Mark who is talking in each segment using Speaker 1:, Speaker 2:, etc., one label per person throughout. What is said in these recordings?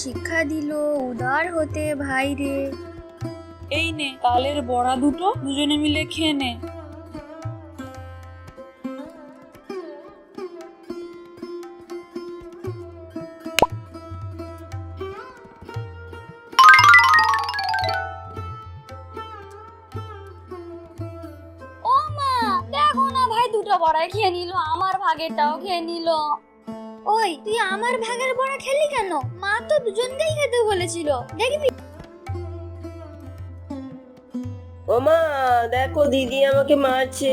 Speaker 1: শিক্ষা দিল উদার হতে ভাই রে।
Speaker 2: এই নে তালের বড়া দুটো, দুজনে মিলে খেয়ে নে।
Speaker 1: ও মা, দেখো না ভাই দুটো বড়াই খেয়ে নিল, আমার ভাগেরটাও খেয়ে নিল। ওই তুই আমার ভাগের বড়া খেলি কেন? মা তো দুজনকেই খেতে বলেছিল, দেখবি।
Speaker 3: ও মা, দেখো দিদি আমাকে মারছে।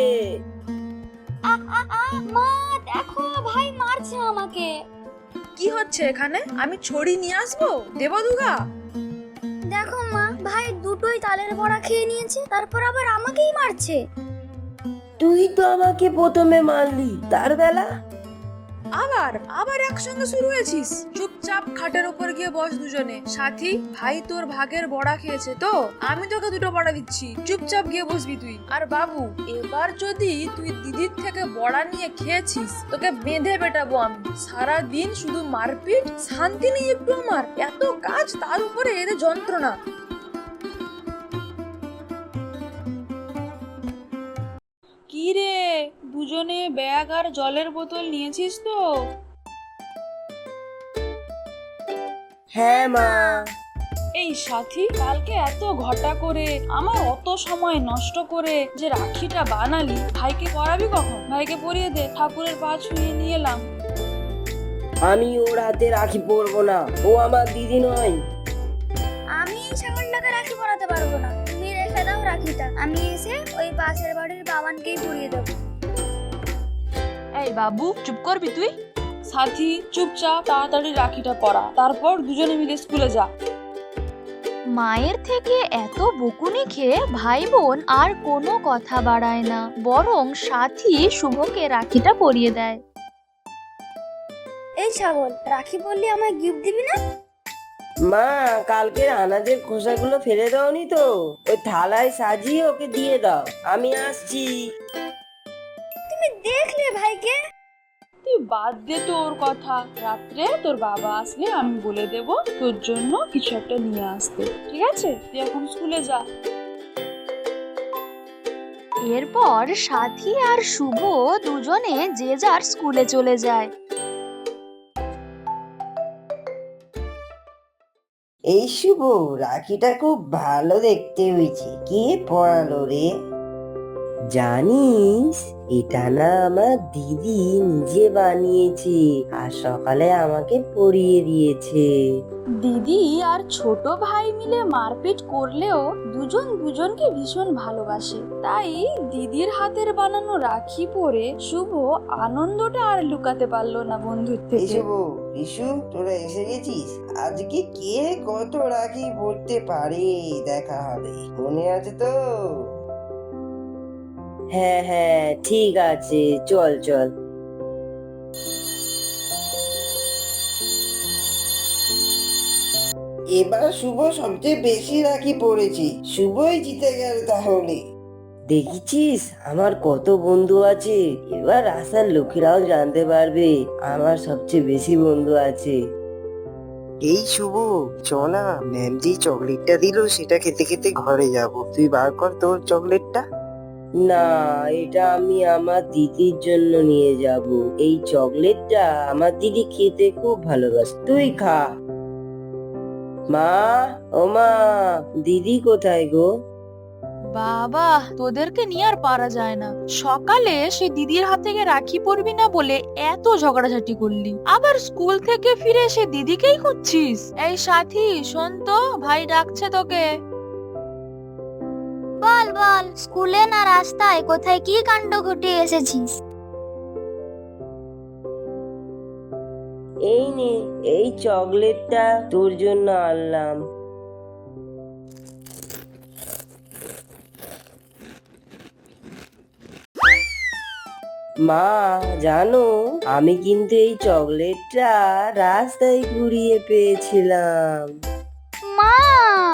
Speaker 1: মা দেখো ভাই মারছে আমাকে।
Speaker 4: কি হচ্ছে এখানে? আমি ছড়ি নিয়ে আসবো, দেবো দুগা?
Speaker 1: দেখো মা, ভাই দুটোই তালের বড়া খেয়ে নিয়েছে, তারপর আবার আমাকেই মারছে।
Speaker 3: তুই তো আমাকে প্রথমে মারলি, তার বেলা।
Speaker 4: আবার আবার একসঙ্গে শুরু হয়েছিস? চুপচাপ খাটের উপর গিয়ে বস দুজনে। সাথী, ভাই তোর ভাগের বড়া খেয়েছে তো, আমি তোকে দুটো বড়া দিচ্ছি, চুপচাপ গিয়ে বসবি তুই। আর বাবু, এবার যদি তুই দিদির থেকে বড়া নিয়ে খেয়েছিস, তোকে বেঁধে পেটাবো আমি। সারা দিন শুধু মারপিট, শান্তি নেই একটু আমার। এত কাজ, তার উপরে এদের যন্ত্রণা।
Speaker 2: কি রে, দুজনে ব্যাগ আর জলের বোতল নিয়েছিস তো?
Speaker 3: হ্যাঁ মা।
Speaker 2: এই সাথী, কালকে এত ঘটা করে আমার অত সময় নষ্ট করে যে রাখিটা বানালি, ভাইকে পরাবি কখন? ভাইকে পরিয়ে দে, ঠাকুরের পা ছুঁয়ে নিয়ে এলাম।
Speaker 3: আমি ওর হাতে রাখি পরবো না, ও আমার দিদি নয়।
Speaker 1: আমি এই ছাগলটাকে রাখি পরাতে পারবো না, তুমি রেখে দাও রাখিটা, আমি এসে ওই পাশের বাড়ির বাবানকেই পরিয়ে দেবো।
Speaker 2: এই বাবু, চুপ করবি তুই? সাথী, চুপচাপ তাড়াতাড়ি রাখিটা পরা, তারপর দুজনে মিলে স্কুলে যা।
Speaker 5: মায়ের থেকে এত বকুনি খেয়ে ভাই বোন আর কোনো কথা বাড়ায় না, বরং সাথী শুভকে রাখিটা পরিয়ে দেয়।
Speaker 1: এই ছাগল, রাখি বললি আমায় গিফট দিবি না?
Speaker 3: মা, কালকের আনাজের খোসাগুলো ফেলে দাওনি তো? ওই থালায় সাজিয়ে ওকে দিয়ে দাও, আমি আসছি।
Speaker 1: তুমি দেখলে ভাইকে?
Speaker 2: তুই বাদ দে তো ওর কথা, রাত্রে তোর বাবা আসলে আমি বলে দেব তোর জন্য কিছু একটা নিয়ে আসতে, ঠিক আছে? তুই এখন স্কুলে যা।
Speaker 5: এরপর সাথী আর শুভ দুজনে যে যার স্কুলে চলে যায়।
Speaker 3: এই শুভ, রাখিটা খুব ভালো দেখতে হয়েছে, কে পরালো রে? জানিস, এটা না আমার দিদি নিজে বানিয়েছে, আর সকালে আমাকে পরিয়ে দিয়েছে।
Speaker 2: দিদি আর ছোট ভাই মিলে মারপিট করলেও দুজন দুজনকে ভীষণ ভালোবাসে, তাই দিদির হাতের বানানো রাখি পরে শুভ আনন্দটা আর লুকাতে পারলো না বন্ধুর
Speaker 3: এই
Speaker 2: থেকে।
Speaker 3: শুভ, রিশু, তোরা এসে গেছিস? আজকে কে কত রাখি পড়তে পারে দেখা হবে, মনে আছে তো? হ্যাঁ হ্যাঁ, ঠিক আছে, চল চল। এবার শুভ সবচেয়ে বেশি রাখি পড়েছে, শুভই জিতে গেল তাহলে। দেখেছিস আমার কত বন্ধু আছে, এবার আসার লোকেরাও জানতে পারবে আমার সবচেয়ে বেশি বন্ধু আছে।
Speaker 6: এই শুভ, চ না, ম্যাম যে চকলেটটা দিল সেটা খেতে খেতে ঘরে যাব। তুই বার কর তোর চকলেটটা।
Speaker 3: না, এটা আমি আমার দিদির জন্য নিয়ে যাব। এই চকলেটটা আমার দিদি খেতে খুব ভালোবাসে, তুই খা। মা, ও মা, দিদি কোথায় গো?
Speaker 5: বাবা, তোদেরকে নিয়ে আর পারা যায় না। সকালে সে দিদির হাত থেকে রাখি পরবি না বলে এত ঝগড়াঝাটি করলি, আবার স্কুল থেকে ফিরে এসে দিদিকেই খুঁজছিস। এই সাথী, শোন তো, ভাই ডাকছে তোকে।
Speaker 1: বল বল, স্কুলে না রাস্তায় কোথায় কি কাণ্ড ঘটিয়ে এসেছিস?
Speaker 3: এই নে, এই চকলেটটা তোর জন্য আনলাম। মা, জানো, আমি কিন্তু এই চকলেটটা রাস্তায় ঘুরিয়ে পেয়েছিলাম।
Speaker 1: মা,